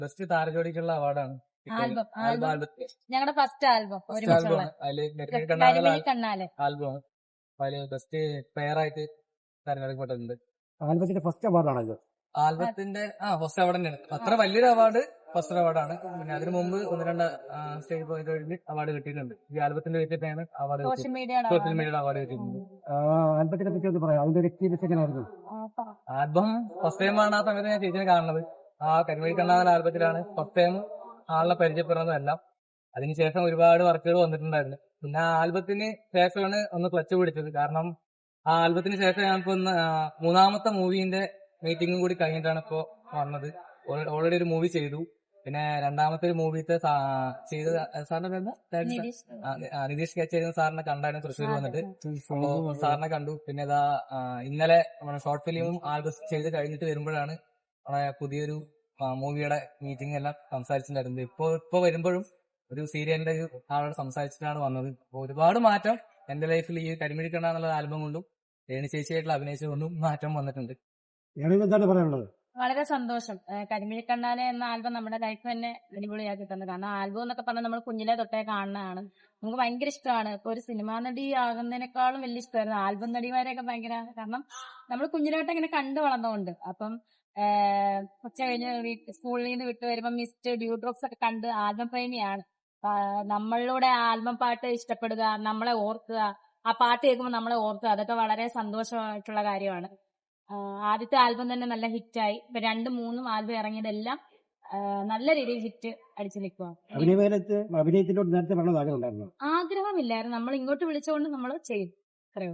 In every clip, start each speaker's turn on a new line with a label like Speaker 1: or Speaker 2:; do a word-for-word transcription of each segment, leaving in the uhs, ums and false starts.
Speaker 1: Best താരജോടിക്കുള്ള അവാർഡാണ്
Speaker 2: album
Speaker 1: album
Speaker 2: album
Speaker 1: ആൽബത്തിൽ
Speaker 2: ഞങ്ങളുടെ first album
Speaker 1: first
Speaker 2: ഒരുമിച്ചുള്ള
Speaker 1: ആൽബമാണ് അതില് നെറ്റ്വർക്ക്
Speaker 2: കരിമിഴി
Speaker 1: കണ്ണാകൽ
Speaker 2: കണ്ണാലെ
Speaker 1: ആൽബമാണ് അതില് ബെസ്റ്റ് പെയർ ആയിട്ട് തെരഞ്ഞെടുക്കപ്പെട്ടിട്ടുണ്ട്.
Speaker 3: ആൽബത്തിന്റെ ഫസ്റ്റ് അവാർഡാണല്ലോ.
Speaker 1: ആൽബത്തിന്റെ ആ ഫസ്റ്റ് അവാർഡ് തന്നെയാണ്. അത്ര വലിയൊരു അവാർഡ് ഫസ്റ്റ് അവാർഡാണ്. പിന്നെ അതിനു മുമ്പ് ഒന്ന് രണ്ട് സ്റ്റേജ് പോയിന്റ് അവാർഡ് കിട്ടിയിട്ടുണ്ട്. ഈ ആൽബത്തിന്റെ വെച്ചിട്ടാണ് അവാർഡ്
Speaker 2: സോഷ്യൽ മീഡിയയുടെ
Speaker 1: സോഷ്യൽ മീഡിയയുടെ അവാർഡ് കിട്ടിയിട്ടുണ്ട്.
Speaker 3: ആൽബത്തിനെ പറ്റി ഒന്ന് പറയാം, അതിന്റെ ഒരു എക്സ്പീരിയൻസ് എങ്ങനെയായിരുന്നു?
Speaker 1: ആൽബം ഫസ്റ്റ് ടൈം ആണ് ആ സമയത്ത് ഞാൻ ചേച്ചിനെ കാണുന്നത്. ആ കരിമിഴി കണ്ണാകൽ ആൽബത്തിലാണ് ഫസ്റ്റ് ടൈം ആളിനെ പരിചയപ്പെടുന്നതെല്ലാം. അതിനുശേഷം ഒരുപാട് വർക്കുകൾ വന്നിട്ടുണ്ടായിരുന്നു. പിന്നെ ആ ആൽബത്തിന് ശേഷമാണ് ഒന്ന് ക്ലച്ച് പിടിച്ചത്. കാരണം ആ ആൽബത്തിന് ശേഷം ഞാനിപ്പോ ഒന്ന് മൂന്നാമത്തെ മൂവിന്റെ മീറ്റിംഗും കൂടി കഴിഞ്ഞിട്ടാണ് ഇപ്പോ വന്നത്. ഓൾറെഡി ഒരു മൂവി ചെയ്തു. പിന്നെ രണ്ടാമത്തെ ഒരു മൂവിത്തെ ചെയ്ത് സാറിന്റെ എന്താ നിതീഷ് സ്കെച്ച് ചെയ്യുന്ന സാറിനെ കണ്ടായിരുന്നു തൃശ്ശൂർ വന്നിട്ട്. അപ്പോ സാറിനെ കണ്ടു. പിന്നെ ഇതാ ഇന്നലെ നമ്മുടെ ഷോർട്ട് ഫിലിമും ആൽബം ചെയ്ത് കഴിഞ്ഞിട്ട് വരുമ്പോഴാണ് നമ്മുടെ പുതിയൊരു മൂവിയുടെ മീറ്റിംഗ് എല്ലാം സംസാരിച്ചിട്ടുണ്ടായിരുന്നത്. ഇപ്പൊ ഇപ്പൊ വരുമ്പോഴും ഒരു സീരിയലിന്റെ ഒരു ആളോട് സംസാരിച്ചിട്ടാണ് വന്നത്. അപ്പൊ ഒരുപാട് മാറ്റം എന്റെ ലൈഫിൽ ഈ കരിമിഴി കണ്ണ എന്നുള്ള ആൽബം കൊണ്ടും രേണു ചേച്ചിയായിട്ടുള്ള അഭിനയിച്ചുകൊണ്ടും മാറ്റം വന്നിട്ടുണ്ട്.
Speaker 3: എന്താണ് പറയാനുള്ളത്?
Speaker 2: വളരെ സന്തോഷം. കരിമിഴി കണ്ണാലെ എന്ന ആൽബം നമ്മുടെ ലൈഫ് തന്നെ അടിപൊളിയാക്കി തന്നു. കാരണം ആൽബം എന്നൊക്കെ പറഞ്ഞാൽ നമ്മൾ കുഞ്ഞിലെ തൊട്ടേ കാണുന്നതാണ്. നമുക്ക് ഭയങ്കര ഇഷ്ടമാണ്. ഇപ്പൊ ഒരു സിനിമാ നടി ആകുന്നതിനേക്കാളും വലിയ ഇഷ്ടമായിരുന്നു ആൽബം നടിമാരെയൊക്കെ ഭയങ്കര. കാരണം നമ്മൾ കുഞ്ഞിലോട്ട് ഇങ്ങനെ കണ്ടു വളർന്നുകൊണ്ട് അപ്പം ഉച്ച കഴിഞ്ഞ് സ്കൂളിൽ നിന്ന് വിട്ടു വരുമ്പോൾ മിസ്റ്റ് ഡ്യൂ ഡ്രോപ്സ് ഒക്കെ കണ്ട് ആൽബം പ്രേമിയാണ്. നമ്മളിലൂടെ ആൽബം പാട്ട് ഇഷ്ടപ്പെടുക, നമ്മളെ ഓർക്കുക, ആ പാട്ട് കേൾക്കുമ്പോൾ നമ്മളെ ഓർക്കുക, അതൊക്കെ വളരെ സന്തോഷമായിട്ടുള്ള കാര്യമാണ്. ആദ്യത്തെ ആൽബം തന്നെ നല്ല ഹിറ്റായി. ഇപ്പൊ രണ്ടും മൂന്നും ആൽബം ഇറങ്ങിയതെല്ലാം നല്ല രീതിയിൽ ഹിറ്റ് അടിച്ചു നിൽക്കുക.
Speaker 3: അഭിനയത്തിനോട് നേരത്തെ ആഗ്രഹം
Speaker 2: ആഗ്രഹമില്ലായിരുന്നു, നമ്മൾ ഇങ്ങോട്ട് വിളിച്ചുകൊണ്ട് നമ്മൾ ചെയ്യും. അത്രയോ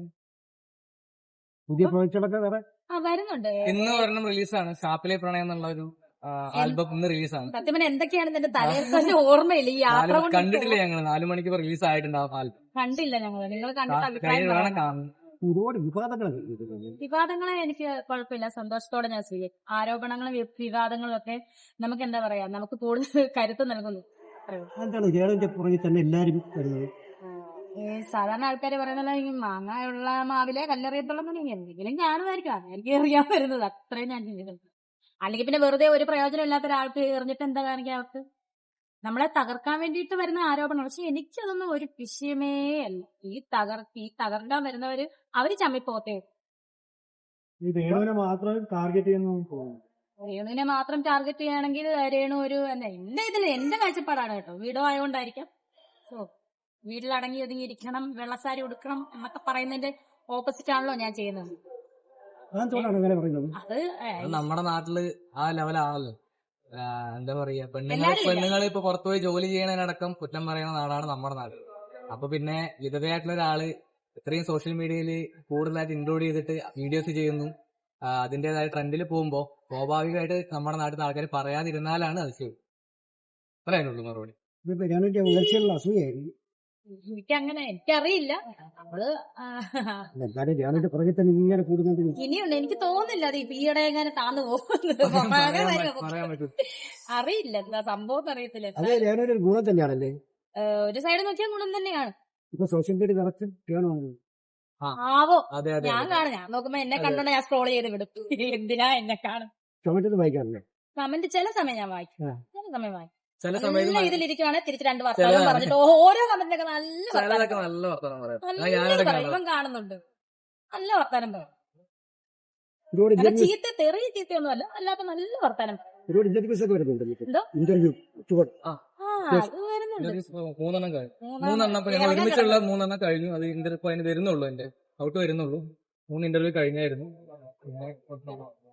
Speaker 3: പുതിയ പ്രോജക്റ്റുകളൊക്കെ വേറെ
Speaker 2: വരുന്നുണ്ട്.
Speaker 1: ഇന്ന് ഒരെണ്ണം റിലീസാണ്, ഷാപ്പിലെ പ്രണയം എന്നുള്ള ഒരു ആൽബം ഇന്ന് റിലീസാണ്.
Speaker 2: സത്യം പറഞ്ഞാൽ എന്തൊക്കെയാണ് എന്റെ തലയിൽ ഓർമ്മയില്ല. ഈ യാത്ര
Speaker 1: കണ്ടിട്ടില്ല ഞങ്ങൾ. നാലു മണിക്ക് റിലീസ് ആയിട്ടുണ്ടാവും ആൽബം.
Speaker 2: കണ്ടില്ല ഞങ്ങൾ. നിങ്ങൾ കണ്ടിട്ട് അഭിപ്രായം?
Speaker 3: ഒരുപാട് വിവാദങ്ങൾ
Speaker 2: വിവാദങ്ങളെ എനിക്ക് കുഴപ്പമില്ല, സന്തോഷത്തോടെ ഞാൻ സ്വീകരിക്കും. ആരോപണങ്ങളും വിവാദങ്ങളും ഒക്കെ നമുക്ക് എന്താ പറയാ, നമുക്ക് കൂടുതൽ കരുത്ത് നൽകുന്നു.
Speaker 3: പുറകെ തന്നെ എല്ലാരും
Speaker 2: സാധാരണ ആൾക്കാർ പറയുന്നത് ഈ മാങ്ങയുള്ള മാവിലെ കല്ലെറിയത്തുള്ള എന്തെങ്കിലും കാണുമായിരിക്കാം. എനിക്ക് എറിയാൻ വരുന്നത് അത്രയും ഞാൻ ചിന്തിക്കുന്നു. അല്ലെങ്കിൽ പിന്നെ വെറുതെ ഒരു പ്രയോജനം ഇല്ലാത്ത ഒരാൾക്ക് എറിഞ്ഞിട്ട് എന്താ കാണിക്കുക? അവർക്ക് നമ്മളെ തകർക്കാൻ വേണ്ടിയിട്ട് വരുന്ന ആരോപണം. പക്ഷെ എനിക്കതൊന്നും ഒരു വിഷയമേ അല്ല. ഈ തകർ ഈ തകർക്കാൻ വരുന്നവര് അവര് ചമ്മിപ്പോത്തേ.
Speaker 3: രേണുവിനെ മാത്രം ടാർഗറ്റ് ചെയ്യുന്നു.
Speaker 2: രേണുവിനെ മാത്രം ടാർഗറ്റ് ചെയ്യുകയാണെങ്കിൽ രേണു ഒരു എന്താ എന്റെ ഇതില് എന്റെ കാഴ്ചപ്പാടാണ് കേട്ടോ. വീടോ ആയതുകൊണ്ടായിരിക്കാം. സോ വീട്ടിലടങ്ങി ഒതുങ്ങിയിരിക്കണം, വെള്ളസാരി ഉടുക്കണം എന്നൊക്കെ പറയുന്നതിന്റെ ഓപ്പോസിറ്റ് ആണല്ലോ ഞാൻ ചെയ്യുന്നത്. അത്
Speaker 1: നമ്മുടെ നാട്ടില് ആ ലെവലാണല്ലോ. എന്താ പറയാ, പെണ്ണുങ്ങൾ പെണ്ണുങ്ങൾ ഇപ്പൊ പുറത്തുപോയി ജോലി ചെയ്യണതിനടക്കം കുറ്റം പറയുന്ന നാടാണ് നമ്മുടെ നാട്. അപ്പൊ പിന്നെ വിധവയായിട്ടുള്ള ഒരാള് ഇത്രയും സോഷ്യൽ മീഡിയയിൽ കൂടുതലായിട്ട് ഇൻക്ലൂഡ് ചെയ്തിട്ട് വീഡിയോസ് ചെയ്യുന്നു, അതിന്റേതായ ട്രെൻഡിൽ പോകുമ്പോ സ്വാഭാവികമായിട്ട് നമ്മുടെ നാട്ടിൽ ആൾക്കാർ പറയാതിരുന്നാലാണ് അത് ചെയ്യും. പറയാനുള്ളൂ മറുപടി.
Speaker 2: എനിക്കങ്ങനെ എനിക്കറിയില്ല. നമ്മള് ഇനിയുണ്ട്, എനിക്ക് തോന്നുന്നില്ല അത് ഈയിടെ എങ്ങനെ താന്നു പോകുന്നത്. അറിയില്ല എന്താ സംഭവം അറിയത്തില്ല.
Speaker 3: ഗുണം തന്നെയാണല്ലേ,
Speaker 2: ഒരു സൈഡ് നോക്കിയാൽ ഗുണം തന്നെയാണ്.
Speaker 3: സോഷ്യൽ മീഡിയ
Speaker 2: ആവോ ഞാൻ കാണും. ഞാൻ നോക്കുമ്പോ എന്നെ കണ്ടോണ്ട് ഞാൻ സ്ക്രോൾ ചെയ്ത് വിടും. എന്തിനാ എന്നെ കാണും.
Speaker 3: കമന്റ് വായിക്കാറില്ലേ?
Speaker 2: കമന്റ് ചില സമയം ഞാൻ വായിക്കും, ചില സമയം വായിക്കും.
Speaker 1: ചില സമയത്ത്
Speaker 2: ഇതിലിരിക്കുവാണെങ്കിൽ തിരിച്ച് രണ്ട് വർത്തമാനം പറഞ്ഞിട്ട് ഓരോ കമന്റിനൊക്കെ നല്ല
Speaker 1: നല്ല വർത്തമാനം
Speaker 2: പറയും. ഇവൻ കാണുന്നുണ്ട്, നല്ല വർത്താനം പറയും. ചീത്ത തെറിയ ചീത്തയൊന്നും അല്ല, അല്ലാത്ത നല്ല വർത്താനം.
Speaker 1: മൂന്നെണ്ണം കഴിഞ്ഞു. മൂന്നെണ്ണം ഇപ്പൊ ഞങ്ങൾ ഒരുമിച്ചുള്ള മൂന്നെണ്ണം കഴിഞ്ഞു. അത് ഇന്റർവ്യൂ അതിന് വരുന്നുള്ളൂ, എന്റെ ഔട്ട് വരുന്നുള്ളൂ. മൂന്ന് ഇന്റർവ്യൂ കഴിഞ്ഞായിരുന്നു. പിന്നെ